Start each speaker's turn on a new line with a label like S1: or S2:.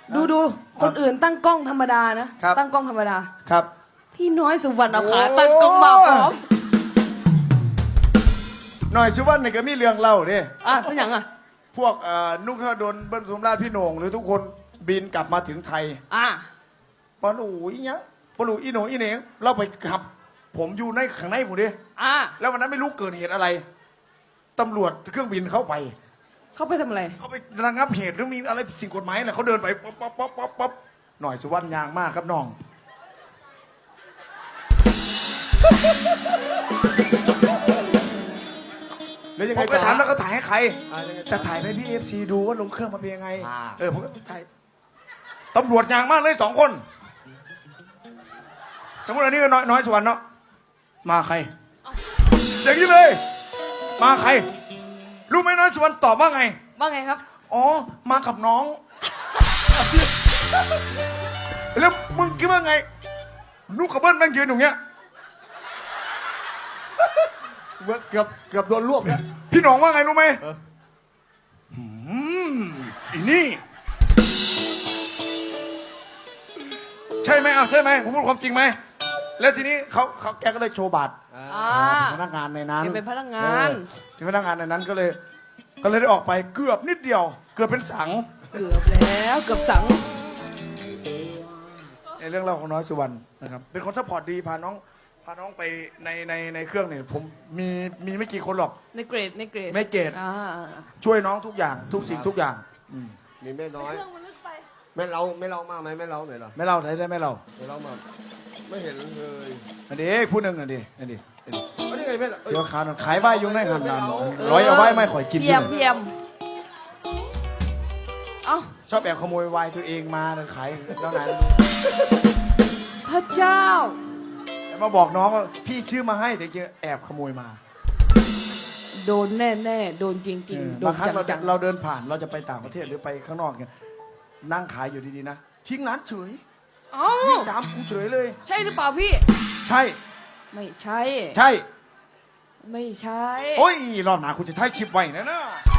S1: ดูคนอื่นตั้งกล้องธรรมดานะตั้งกล้องธรรมดา
S2: ครับ
S1: พี่น้อยสุวรรณภาตั้งกล้องมาพร้อม
S2: หน่อยชิวันนี่ก็มีเรื่องเล่าดิ
S1: เป็นอย่าง
S2: พวกนุกธนดลเบิ้ลสมราชพี่โหน่งหรือทุกคนบินกลับมาถึงไทยปลูอีเนี้ยปลูอีโหน่งอีเหน่งเราไปขับผมอยู่ในข้างในผมดิแล้ววันนั้นไม่รู้เกิดเหตุอะไรตำรวจเครื่องบินเข้าไป
S1: ทำอะไร
S2: เขาไประงับเหตุหรือมีอะไรสิ่งกฎหมายอะไรเขาเดินไปป๊อปหน่อยสุวรรณยางมากครับน้อง
S3: แล้วยังไง
S2: ผมไปถามแล้วเขาถ่ายให้ใคร
S3: ยังไง
S2: จะถ่ายให้พี่FCดูว่าลงเครื่องมาเป็นยังไงผมก็ถ่ายตำรวจยางมากเลย2 คนสมมติอันนี้ก็น้อยสุวรรณเนาะมาใครอย่างนี้เลยมาใครรู้ไหมน้อยสุวรรณตอบว่าไง
S1: ครับ
S2: อ๋อมากับน้องแล้วมึงคิดว่าไงนุกกับเบิ้ลแม่งยืนอย่างเงี้ย
S3: เกือบโดนรวบเนี่ย
S2: พี่หนองว่าไงรู้ไหมอีนี่ใช่ไหมใช่ไหมผมพูดความจริงไหมแล้วทีนี้เขาแกก็เลยโชว์บัตรพนักงานในนั้น
S1: เป็นพนักงาน
S2: ที่พนักงานในนั้นก็เลยได้ออกไปเกือบนิดเดียวเกือบเป็นสัง
S1: เกือบสัง
S2: ในเรื่องเล่าของน้อยสุวรรณนะครับเป็นคนซัพพอร์ตดีพาน้องไปในเครื่องเนี่ยผมมีไม่กี่คนหรอก
S1: ในเกรด
S2: ไม่เกรดช่วยน้องทุกอย่างทุกสิ่งทุกอย่าง
S3: มีแม่น้อยแม่เรามาไหมแม่เราไหนล่ะ
S2: ไม่เล่าไหนได้ไม่เล่า
S3: มาไม่เห็นเลย
S2: อันนี้ผู้หนึ่งอันนี้
S3: นี่ไงแม่
S2: เสียวขาขายใบยุงในหันนันร้อยเอาใบไม่ข่อยกิน
S1: เพียม
S2: ชอบแอบขโมยไวน์ตัวเองมาขายแล้วนั้น
S1: พระเจ้า
S2: มาบอกน้องว่าพี่ชื่อมาให้แต่เจอแอบขโมยมา
S1: โดนแน่โดนจริงๆโดนจัง
S2: เราเดินผ่านเราจะไปต่างประเทศหรือไปข้างนอกเนี่ยนั่งขายอยู่ดีๆนะทิ้งร้านเฉยวิ่งตามกูเฉยเลย
S1: ใช่หรือเปล่าพี่
S2: ใช่
S1: ไม่ใช่
S2: ใช่
S1: ไม่ใช่
S2: โอ้ยรอบหน้าคุณจะถ่ายคลิปไว้นะ